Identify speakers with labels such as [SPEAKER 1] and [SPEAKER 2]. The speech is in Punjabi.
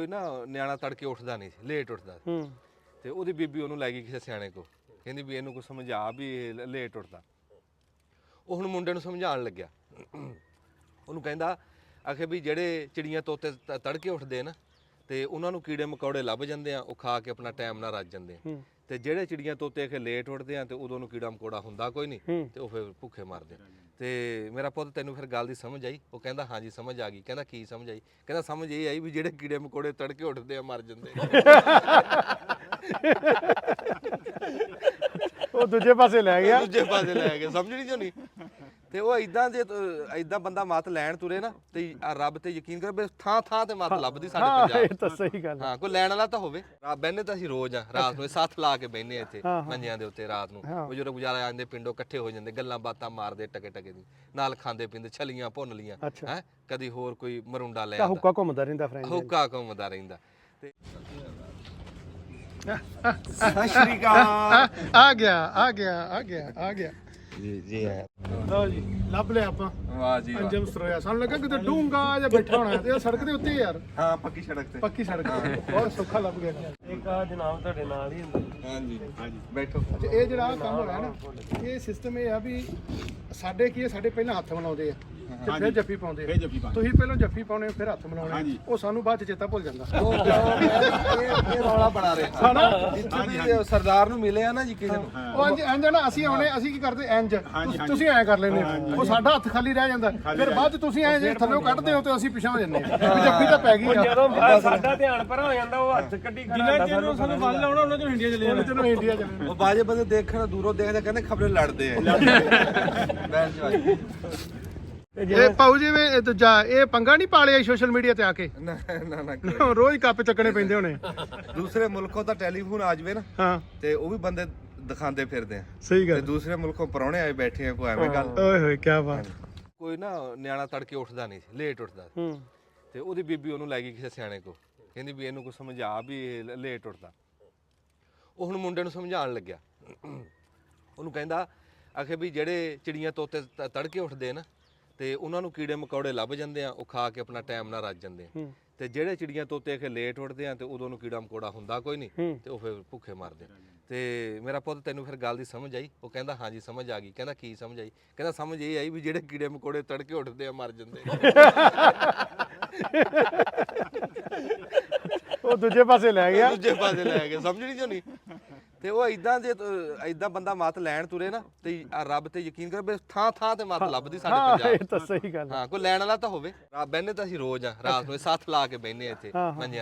[SPEAKER 1] ਕੋਈ ਨਾ ਨਿਆਣਾ ਤੜਕੇ ਉੱਠਦਾ ਨਹੀਂ ਸੀ, ਲੇਟ ਉੱਠਦਾ ਤੇ ਉਹਦੀ ਬੀਬੀ ਉਹਨੂੰ ਲੈ ਗਈ ਕਿਸੇ ਸਿਆਣੇ ਕੋ, ਕਹਿੰਦੀ ਵੀ ਇਹਨੂੰ ਕੋਈ ਸਮਝਾ ਵੀ ਇਹ ਲੇਟ ਉੱਠਦਾ। ਉਹ ਹੁਣ ਮੁੰਡੇ ਨੂੰ ਸਮਝਾਉਣ ਲੱਗਿਆ, ਉਹਨੂੰ ਕਹਿੰਦਾ ਆਖੇ ਵੀ ਜਿਹੜੇ ਚਿੜੀਆਂ ਤੋਤੇ ਤੜਕੇ ਉੱਠਦੇ ਨਾ ਤੇ ਉਹਨਾਂ ਨੂੰ ਕੀੜੇ ਮਕੌੜੇ ਲੱਭ ਜਾਂਦੇ ਆ, ਉਹ ਖਾ ਕੇ ਆਪਣਾ ਟਾਈਮ ਨਾਲ ਰੱਜ ਜਾਂਦੇ ਆ, ਤੇ ਜਿਹੜੇ ਚਿੜੀਆਂ ਤੋਤੇ ਆਖੇ ਲੇਟ ਉੱਠਦੇ ਆ ਤੇ ਉਦੋਂ ਨੂੰ ਕੀੜਾ ਮਕੌੜਾ ਹੁੰਦਾ ਕੋਈ ਨਹੀਂ ਤੇ ਉਹ ਫਿਰ ਭੁੱਖੇ ਮਰਦੇ। ਤੇ ਮੇਰਾ ਪੁੱਤ ਤੈਨੂੰ ਫਿਰ ਗੱਲ ਦੀ ਸਮਝ ਆਈ? ਉਹ ਕਹਿੰਦਾ ਹਾਂਜੀ ਸਮਝ ਆ ਗਈ। ਕਹਿੰਦਾ ਕੀ ਸਮਝ ਆਈ? ਕਹਿੰਦਾ ਸਮਝ ਇਹ ਆਈ ਵੀ ਜਿਹੜੇ ਕੀੜੇ ਮਕੌੜੇ ਤੜਕੇ ਉੱਠਦੇ ਆ ਮਰ ਜਾਂਦੇ।
[SPEAKER 2] ਉਹ ਦੂਜੇ ਪਾਸੇ ਲੈ ਗਿਆ,
[SPEAKER 1] ਦੂਜੇ ਪਾਸੇ ਲੈ ਗਿਆ, ਸਮਝ ਨਹੀਂ ਜੋਨੀ। ਤੇ ਉਹ ਇਦਾਂ ਜੇ ਇਦਾਂ ਬੰਦਾ ਮੱਤ ਲੈਣ ਤੁਰੇ ਨਾ ਤੇ ਰੱਬ ਤੇ ਯਕੀਨ ਕਰ ਵੀ ਥਾਂ ਥਾਂ ਤੇ ਮੱਤ ਲੱਭਦੀ ਸਾਡੇ ਪੰਜਾਬ।
[SPEAKER 2] ਇਹ ਤਾਂ ਸਹੀ ਗੱਲ
[SPEAKER 1] ਹਾਂ, ਕੋਈ ਲੈਣ ਵਾਲਾ ਤਾਂ ਹੋਵੇ। ਬਹਿਨੇ ਤਾਂ ਅਸੀਂ ਰੋਜ਼ ਆ, ਰਾਤ ਨੂੰ ਸੱਥ ਲਾ ਕੇ ਬਹਿਨੇ ਇੱਥੇ ਮੰਜਿਆਂ ਦੇ ਉੱਤੇ ਰਾਤ ਨੂੰ। ਬਜ਼ੁਰਗ ਗੁਜ਼ਾਰਾ ਜਾਂਦੇ ਪਿੰਡੋਂ ਇਕੱਠੇ ਹੋ ਜਾਂਦੇ, ਗੱਲਾਂ ਬਾਤਾਂ ਮਾਰਦੇ ਟਕੇ ਟਕੇ ਦੀ, ਨਾਲ ਖਾਂਦੇ ਪੀਂਦੇ, ਛਲੀਆਂ ਭੁੰਨ ਲੀਆਂ ਹੈ, ਕਦੀ ਹੋਰ ਕੋਈ ਮਰੁੰਡਾ ਲੈ
[SPEAKER 2] ਹੁੱਕਾ ਘੁੰਮਦਾ ਰਹਿੰਦਾ, ਫਰੈਂਡ
[SPEAKER 1] ਹੁੱਕਾ ਘੁੰਮਦਾ ਰਹਿੰਦਾ। ਤੇ
[SPEAKER 2] ਸਤਿ ਸ਼੍ਰੀ ਅਕਾਲ। ਆ ਗਿਆ ਆ ਗਿਆ ਆ ਗਿਆ ਆ ਗਿਆ
[SPEAKER 1] ਜੀ ਹੈ।
[SPEAKER 2] ਲਓ ਜੀ, ਲੱਭ ਲਿਆ ਆਪਾਂ।
[SPEAKER 1] ਵਾਹ ਜੀ
[SPEAKER 2] ਅੰਜਮ ਸਰੋਇਆ, ਸਾਨੂੰ ਲੱਗਾ ਕਿਤੇ ਡੂੰਗਾ ਜਾਂ ਬੈਠਾ ਹੋਣਾ, ਤੇ ਉਹ ਸੜਕ ਦੇ ਉੱਤੇ ਯਾਰ।
[SPEAKER 1] ਹਾਂ, ਪੱਕੀ ਸੜਕ ਤੇ,
[SPEAKER 2] ਪੱਕੀ ਸੜਕ ਤੇ ਬਹੁਤ ਸੌਖਾ ਲੱਭ ਗਿਆ।
[SPEAKER 3] ਇੱਕ ਆ ਜਨਾਬ ਤੁਹਾਡੇ ਨਾਲ ਹੀ ਹੁੰਦਾ।
[SPEAKER 1] ਹਾਂਜੀ ਹਾਂਜੀ, ਬੈਠੋ।
[SPEAKER 2] ਇਹ ਜਿਹੜਾ ਕੰਮ ਹੋਇਆ ਨਾ, ਇਹ ਸਿਸਟਮ ਇਹ ਆ ਵੀ ਸਾਡੇ ਕੀ ਹੈ, ਸਾਡੇ ਪਹਿਲਾਂ ਹੱਥ ਮਿਲਾਉਂਦੇ ਆ ਤੇ ਫਿਰ ਜੱਫੀ ਪਾਉਂਦੇ ਆ। ਤੁਸੀਂ ਪਹਿਲਾਂ ਜੱਫੀ ਪਾਉਣੇ ਫਿਰ ਹੱਥ ਮਿਲਾਉਣੇ, ਉਹ ਸਾਨੂੰ ਬਾਅਦ ਚ ਚੇਤਾ ਭੁੱਲ ਜਾਂਦਾ।
[SPEAKER 1] ਇਹ ਰੌਲਾ ਬਣਾ ਰਿਹਾ ਜਿੱਥੇ ਸਰਦਾਰ ਨੂੰ ਮਿਲਿਆ ਨਾ ਜੀ ਕਿਸੇ ਨੂੰ,
[SPEAKER 2] ਉਹ ਇੰਜ ਨਾ ਅਸੀਂ ਆਉਣੇ, ਅਸੀਂ ਕੀ ਕਰਦੇ ਇੰਜ, ਤੁਸੀਂ ਐਂ ਕਰ ਲੈਂਦੇ ਹੋ, ਉਹ ਸਾਡਾ ਹੱਥ ਖਾਲੀ ਰਹਿ ਜਾਂਦਾ, ਫਿਰ ਬਾਅਦ ਚ ਤੁਸੀਂ ਐਂ ਜੇ ਥੱਲੇ ਕੱਢਦੇ ਹੋ ਤੇ ਅਸੀਂ ਪਿਛਾਂ ਹੋ ਜਾਂਦੇ ਹਾਂ। ਜੱਫੀ ਤਾਂ ਪੈ ਗਈ ਆ।
[SPEAKER 3] ਜਦੋਂ ਸਾਡਾ ਧਿਆਨ ਪਰ ਹੋ ਜਾਂਦਾ, ਉਹ ਹੱਥ ਕੱਢੀ ਖੜਾ ਹੁੰਦਾ, ਸਾਨੂੰ
[SPEAKER 2] ਵੱਲ ਲਾਉਣਾ, ਉਹਨਾਂ ਚੋਂ ਇੰਡੀਆ ਚਲੇ ਜਾਣਾ। ਚਲੋ ਇੰਡੀਆ ਚਲੇ
[SPEAKER 1] ਉਹ ਬਾਜੇ ਬੰਦੇ ਦੇਖਣ ਦੂਰੋਂ ਦੇਖਦੇ ਕਹਿੰਦੇ ਖਬਰੇ ਲੜਦੇ ਆ।
[SPEAKER 2] ਇਹ ਪਾਉ ਜਿਵੇਂ ਇਹ ਦੂਜਾ ਇਹ ਪੰਗਾ ਨਹੀਂ ਪਾਲਿਆ ਸੋਸ਼ਲ ਮੀਡੀਆ ਤੇ ਆ ਕੇ?
[SPEAKER 1] ਨਾ ਨਾ ਨਾ,
[SPEAKER 2] ਰੋਜ਼ ਕੱਪ ਚੱਕਣੇ ਪੈਂਦੇ ਹੋਣੇ।
[SPEAKER 1] ਦੂਸਰੇ ਮੁਲਕੋਂ ਤਾਂ ਟੈਲੀਫੋਨ ਆ ਜਾਵੇ ਨਾ,
[SPEAKER 2] ਹਾਂ,
[SPEAKER 1] ਤੇ ਉਹ ਵੀ ਬੰਦੇ ਦਿਖਾਉਂਦੇ ਫਿਰਦੇ ਆ।
[SPEAKER 2] ਸਹੀ
[SPEAKER 1] ਤੇ
[SPEAKER 2] ਗੱਲ।
[SPEAKER 1] ਦੂਸਰੇ ਮੁਲਕੋਂ ਪਰੌਣੇ ਆਏ ਬੈਠੇ ਆ, ਕੋਈ ਐਵੇਂ ਗੱਲ।
[SPEAKER 2] ਓਏ ਹੋਏ ਕੀ ਬਾਤ।
[SPEAKER 1] ਕੋਈ ਨਾ ਨਿਆਣਾ ਤੜਕੇ ਉੱਠਦਾ ਨਹੀਂ ਸੀ, ਲੇਟ ਉੱਠਦਾ ਤੇ ਉਹਦੀ ਬੀਬੀ ਉਹਨੂੰ ਲੈ ਗਈ ਕਿਸੇ ਸਿਆਣੇ ਕੋ, ਕਹਿੰਦੀ ਵੀ ਇਹਨੂੰ ਕੋਈ ਸਮਝਾ ਵੀ ਇਹ ਲੇਟ ਉੱਠਦਾ। ਉਹ ਹੁਣ ਮੁੰਡੇ ਨੂੰ ਸਮਝਾਉਣ ਲੱਗਿਆ, ਉਹਨੂੰ ਕਹਿੰਦਾ ਆਖੇ ਵੀ ਜਿਹੜੇ ਚਿੜੀਆਂ ਤੋਤੇ ਤੜਕੇ ਉੱਠਦੇ ਨਾ ਤੇ ਉਹਨਾਂ ਨੂੰ ਕੀੜੇ ਮਕੌੜੇ ਲੱਭ ਜਾਂਦੇ ਆ, ਉਹ ਖਾ ਕੇ ਆਪਣਾ ਟਾਈਮ ਨਾਲ ਰੱਜ ਜਾਂਦੇ ਆ, ਤੇ ਜਿਹੜੇ ਚਿੜੀਆਂ ਤੋਤੇ ਆਖੇ ਲੇਟ ਉੱਠਦੇ ਆ ਤੇ ਉਦੋਂ ਨੂੰ ਕੀੜਾ ਮਕੌੜਾ ਹੁੰਦਾ ਕੋਈ ਨਹੀਂ ਤੇ ਉਹ ਫਿਰ ਭੁੱਖੇ ਮਰਦੇ। ਤੇ ਮੇਰਾ ਪੁੱਤ ਤੈਨੂੰ ਫਿਰ ਗੱਲ ਦੀ ਸਮਝ ਆਈ? ਉਹ ਕਹਿੰਦਾ ਹਾਂਜੀ ਸਮਝ ਆ ਗਈ। ਕਹਿੰਦਾ ਕੀ ਸਮਝ ਆਈ? ਕਹਿੰਦਾ ਸਮਝ ਇਹ ਆਈ ਵੀ ਜਿਹੜੇ ਕੀੜੇ ਮਕੌੜੇ ਤੜਕੇ ਉੱਠਦੇ ਆ ਮਰ ਜਾਂਦੇ।
[SPEAKER 2] ਉਹ ਦੂਜੇ ਪਾਸੇ ਲੈ ਗਿਆ,
[SPEAKER 1] ਦੂਜੇ ਪਾਸੇ ਲੈ ਗਿਆ, ਸਮਝ ਨਹੀਂ ਜੋਨੀ। ਤੇ ਉਹ ਇਦਾਂ ਜੇ ਇਦਾਂ ਬੰਦਾ ਮੱਤ ਲੈਣ ਤੁਰੇ ਨਾ ਤੇ ਰੱਬ ਤੇ ਯਕੀਨ ਕਰ ਵੀ ਥਾਂ ਥਾਂ ਤੇ ਮੱਤ ਲੱਭਦੀ ਸਾਡੇ ਪੰਜਾਬ।
[SPEAKER 2] ਇਹ ਤਾਂ ਸਹੀ ਗੱਲ।
[SPEAKER 1] ਹਾਂ, ਕੋਈ ਲੈਣ ਵਾਲਾ ਤਾਂ ਹੋਵੇ। ਬਹਿਨੇ ਤਾਂ ਅਸੀਂ ਰੋਜ਼ ਆ, ਰਾਤ ਨੂੰ ਸੱਥ ਲਾ ਕੇ ਬਹਿਨੇ ਇੱਥੇ ਮੰਜਿਆਂ